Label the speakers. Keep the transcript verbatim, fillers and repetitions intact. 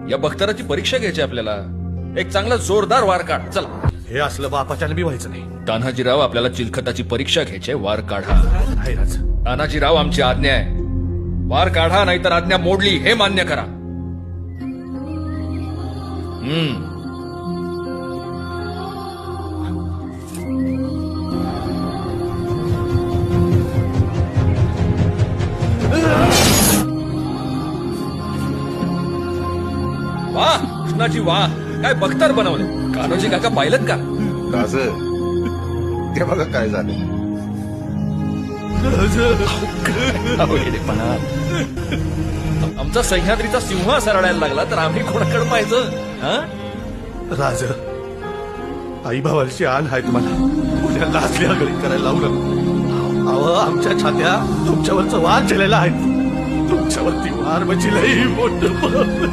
Speaker 1: या बख्तराची परीक्षा घ्यायची आपल्याला. एक चांगला जोरदार वार काढ. चला.
Speaker 2: हे असलं बापाच्याने बी व्हायचं नाही.
Speaker 1: तान्हाजीराव, आपल्याला चिलखताची परीक्षा घ्यायची, वार काढा.
Speaker 2: नाही राज.
Speaker 1: तान्हाजीराव, आमची आज्ञा आहे. वार काढा, नाहीतर आज्ञा मोडली हे मान्य करा. हम्म वाह कृष्णाजी, वाह, काय बख्तर बनवले. कान्होजी काका पाहिलं का?
Speaker 3: राज, ते बघा काय झालं.
Speaker 1: आमचा सह्याद्रीचा सिंह सरळायला लागला तर आम्ही कोणाकडे पाहिजे?
Speaker 2: राज, आई भावाची आण आहे तुम्हाला. उद्या लाचली आगळी करायला लावू नका. अहो, आमच्या छात्या तुमच्यावरचं वार केलेला आहे. तुमच्यावरती वार म्हणजे लई मोठं